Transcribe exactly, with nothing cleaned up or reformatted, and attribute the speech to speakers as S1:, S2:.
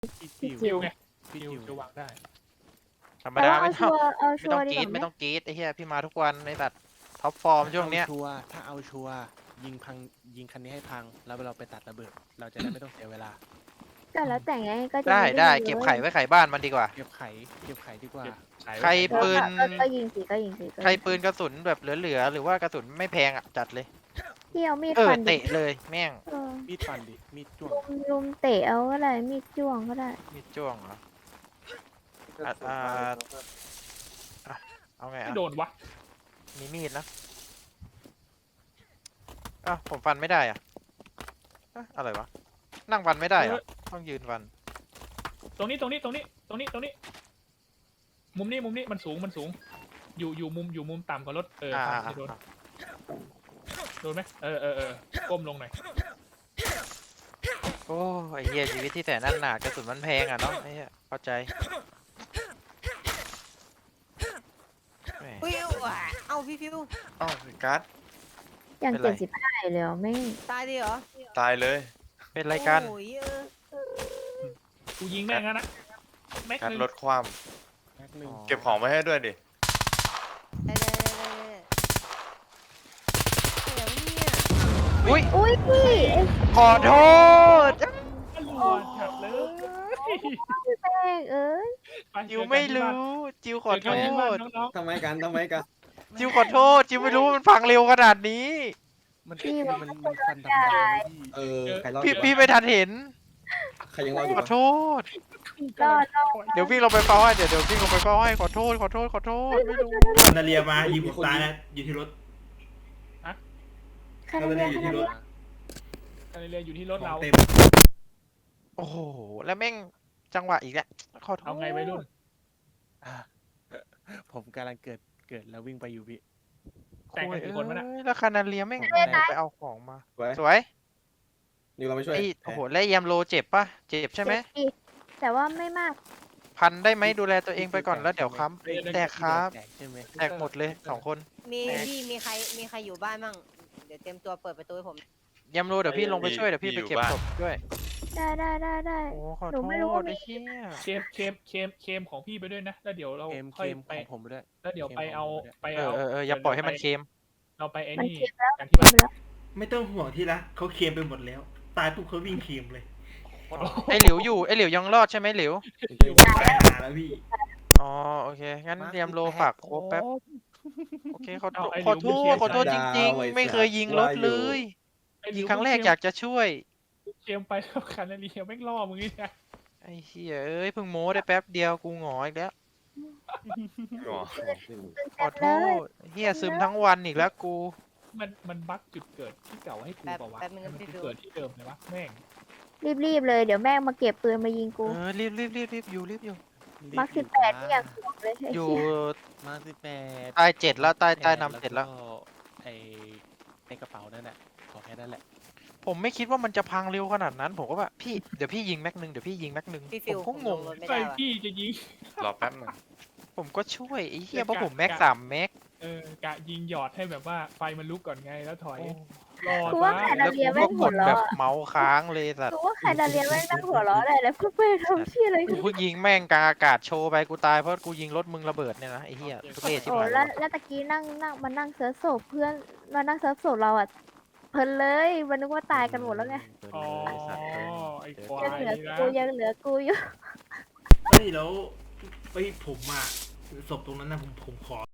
S1: พี่
S2: พี่
S1: จิ๋
S2: จิ๋
S1: ว
S2: วไง
S1: พี่
S2: จิ๋ว
S1: จิ๋ว
S2: จะวางได้
S3: ธรรม
S4: แต่
S3: ดา
S4: ว่าเอา
S3: ไม่
S4: ชั
S3: ต้อง
S4: วร์เอา
S3: ไม่
S4: ชัว
S3: ต้อง
S4: ร์ดี
S3: ก
S4: ก
S3: รี๊
S4: ว่า
S3: ด
S4: ไหม
S3: ไม่ต้องกรี๊ดไอ้เหี้ยพี่มาทุกวันไอ้สัตว์ท็อปฟอร์มช่วงเนี้ย
S1: ถ้าเอาชัวร์ถ้าเอาชัวร์ยิงพังยิงคันนี้ให้พังแล้วเราไปตัดระเบิด เราจะได้ไม่ต้องเสียเวลา
S4: ก็แล้วแต่ไงก็จะ
S3: ได้
S4: ม่
S3: ได้
S4: ยิง
S3: เก็บ
S4: ลย
S3: ไข่ไว้ไข่บ้านมันดีกว่า
S1: เก็บไข่เก็บไข่ดีกว่า
S2: เก็บขาย
S3: ใคร
S2: ไว้ขาย
S3: ปืน
S4: ก็ก็ยิงสิก็ยิงสิก็
S3: ใคร
S4: ยิงสิ
S3: ปืนกระสุนแบบเหลือๆหรือว่ากระสุนไม่แพงอ่ะจัดเลย
S4: พี่เอามีด
S3: เออ
S4: ฟันดิ
S3: เตะเลยแม่ง
S4: เออ
S1: มีดฟันดิมีดจ้วง
S4: ลุมลุมเตะเอาก็ได้มีดจ้วงก็ได้
S3: มีดจ้วงเหรอ อ่ะอ่า อ่ะเอาไง
S2: ไม่
S3: อ่ะ
S2: โดนวะ
S3: มีมีดนะอ้าวผมฟันไม่ได้อ่ะเอ๊ะอะไรวะนั่งฟันไม่ได้เหรอ่ะต้องยืนฟัน
S2: ตรงนี้ตรงนี้ตรงนี้ตรงนี้ตรงนี้ มุมนี้มุมนี้มันสูงมันสูง อยู่อยู่มุมอยู่มุมต่ำกว่ารถเออ
S3: อ่า
S2: ฟัน
S3: อ่า
S2: จะโดน
S3: อ่า
S2: โดนไหมเออเออเออก้มลงหน่อย
S3: โอ้ไอ้เหี้ยชีวิตที่แสนนั่นหนากระสุนมันแพงอ่ะเนาะไอ้เหี้ยเข้าใจแหม
S5: ฟิวอ่ะเอาพี่ฟิว
S6: อ้าวการ์ด
S4: อย่าง
S3: เป็นไร
S4: เจ็ดสิบห้าเลยเหรอไม่
S5: ตายดิเหรอ
S6: ตายเลย
S3: เป็นไรกัน
S5: โอ้ยเออ
S2: กูยิงแม่งแล้วนะแม็ก
S6: การ์ด
S2: นึง
S6: ลดความ
S1: แป๊บนึง
S6: เก็บของไว้ให้ด้วยดิ
S5: ได้ได้ได้ได้ได้เดี๋ยวเนี่ย
S3: อุ้ย
S4: อุ้ยพี่ไอ้
S3: ขอโทษ
S2: ตำรวจจับเลย
S4: แป้งเอ้ย
S2: ไป
S3: จิว
S2: เจอกัน
S3: ไม่
S2: ที่บ้าน
S3: รู้จิวขอ
S2: เจ
S3: โท
S2: อกันที่บ้าน
S3: ษ
S2: น้อง
S7: ทำไมกันทำไมกัน
S3: จิวขอโทษจิวไม่รู้ว่ามันพังเร็วขนาดนี้
S1: มัน
S4: พี่
S1: มัน
S4: บอก
S1: มัน
S4: ว่า
S1: มันฟันดำๆเลยพี่
S7: เออใครรอด
S3: พี่
S7: อยู่
S3: พี่
S7: วะ
S3: ไม่ทันเห็น
S7: ใครยังรอดอยู่
S3: ขอ
S7: วะ
S3: โทษ
S2: ๆ
S4: รอดรอด
S3: เดี๋ยววิ่งลงไปเฝ้าให้เดี๋ยวเดี๋ยววิ่งลงไปเฝ้าให้ขอโทษขอโทษขอโทษไม่รู้
S8: นาเรียมายิงผมตายแล้วอยู่ที่รถ
S4: ใครเรียกใครเรียก
S2: การเรียนอยู่ที่รถ
S8: ขอ
S2: เรา
S8: งเต็ม
S3: โอ้โหแล้วแม่งจังหวะอีกแล้วขอโทษ
S2: เอาไงวัยรุ่น
S1: อ่ะผมกำลังเกิดเกิดแล้ววิ่งไปอยู่พี่
S2: แต่งกันกี่คนวะน่ะ
S3: โอ้ยแล้วคานาเลียแม่งไปเอาของมา
S7: ไว้
S3: สวย
S7: นิวเราไปช่วย
S3: ไอ้โอ้โหแล้วแยมโลเจ็บปะเจ็บใช่ไหม
S4: เจ็บดิแต่ว่าไม่มาก
S3: พันได้ไหมดูแลตัวเองไปก่อนแล้วเดี๋ยวค้ำแตกครับ
S1: แตกใช่ไหม
S3: แตกหมดเลยสองคน
S5: มีพี่มีใครมีใครอยู่บ้านมั่งเดี๋ยวเตรียมตัวเปิดประตูให้ผม
S3: แยมโลเดี๋ยวพี่ลงไปช่วยเดี๋ยวพี่ไปเก็บศพด้วย
S4: ได้ได้ได้ได้
S3: โอ้ขอ
S4: หนู
S3: โท
S4: ไม่รู้ว่า
S3: ษ
S4: มี
S3: ไอ้เหี้ย
S2: เคมเคมเคมเคมของพี่ไปด้วยนะแล้วเดี๋ยวเรา
S1: เกม
S2: ค่อย
S1: เกม
S2: ไป
S1: ของผมด้วย
S2: แล้วเดี๋ยวไปเอาไป
S3: เออ
S2: เอา
S3: เออเอออย่าปล่อยให้มันเค็ม
S2: เราไปไอ้
S4: มัน
S2: นี่
S4: เค็มแล้ว
S2: กันที่
S4: เค็
S2: บ้าม น
S4: แล้ว
S8: ไม่ต้องห่วงที่รักเขาเคลมไปหมดแล้ว ตายปุ๊บเขาวิ่งเคลมเลย
S3: ไอ้หลิวอยู่ไอ้หลิวยังรอดใช่ไหมหลิว
S8: ตายหาแล้วพี่
S3: อ๋อโอเคงั้นแยมโลฝากโครบแป๊บโอเคขอโทษขอโทษขอโทษจริงๆ ไม่เคยยิงรถเลย
S2: ไอ้ห
S3: ยิ
S2: ลิ
S3: ง
S2: ว
S3: ครั้งแรกอยากจะช่วย
S2: เคมไปแล้วคันนาเรียแม่งล่อมึงนี่นะ
S3: ไอ้เหี้ยเอ้ยเพิ่งโม้ได้แป๊บเดียวกูหงอยอีกแล้ว
S6: อ๋อ
S3: ขอโทษเหี้ยซึมทั้งวันอีกแล้วกู
S2: มันมันบั๊กจุดเกิดที่เก่าให้กูเปล่าวะ
S5: แป๊บนึง
S2: มั
S5: นะ
S2: น
S5: พี่
S2: จุด
S5: ฟิว
S2: เกิดที่เดิมเลยวะแม่ง
S4: รีบรีบๆเลยเดี๋ยวแม่งมาเก็บปืนมายิงกู
S3: เออรีบรีบรีบรีบอยู่รีบอยู่
S4: มาร์คสิบแปดที่อยากสวมเลยไอ้
S3: อยู่
S4: เหี้ย
S1: มาสิบแปด
S3: ใต้เจ็ดแล้วใต้ใต้นำเจ็ดแล้ว
S1: ก็ไอในกระเป๋านั่นแหละขอแค่นั้นแหละ
S3: ผมไม่คิดว่ามันจะพังเร็วขนาดนั้น ผมก็แบบพี่เดี๋ยวพี่ยิงแม็กนึงเดี๋ยวพี่ยิงแม็กนึง
S5: พี่
S3: ผ
S5: ฟิว
S3: ม
S5: ผ
S3: ก็
S5: ม
S3: ง
S5: ล
S3: ง
S5: งรถไม่
S2: ใส่
S5: ได้ว่ะ
S2: พี่จะยิง
S6: รอแป๊บหนึง
S3: ผมก็ช่วยไอ้เหี้ยเพราะผม
S2: กะ
S3: แม็ก
S2: กะ
S3: สามแม็ก
S2: เออกะยิงหยอดให้แบบว่าไฟมันลุกก่อนไงแล้วถอย
S3: โอ้
S2: รอ
S4: กูว่า
S2: ซะ
S4: ใคร
S3: แล้
S4: ดาว เลีย
S3: กู
S4: แม่
S3: ก็
S4: ง
S3: ก
S4: หัว
S3: ดแบบ
S4: เราะอะ
S3: เมาส์ค้างเลยสัต
S4: กู
S3: ว์
S4: ว่าใครดาเลียแม่งนั่งหัวเราะเลยแล้วกูไปทำเชี่ยอะไร
S3: กูเพิ่งยิงแม่งกลางอากาศโชว์ไปกูตายเพราะกูยิงรถมึงระเบิดเนี่ยนะไอ้เหี้ยทุเรศที่
S4: โอ้
S3: ไหน
S4: แล้วแล้วตะกี้นั่งนั่งมานั่งเซิร์ฟศพเพื่อนมานั่งเซิร์ฟศพเราอ่ะเพลินเลยมันนึกว่าตายกันหมดแล้วไง
S2: อ๋อ
S3: ไอ้สัตว์เอ้ย
S2: ไอ้ควา
S4: ยัง
S2: ย
S4: เหลือ
S2: นี่นะ
S4: กูยังเหลือกูอยู่
S8: เฮ้ยแล้วเฮ้ยผมอ่ะศพตรงนั้นนะผมผมขอ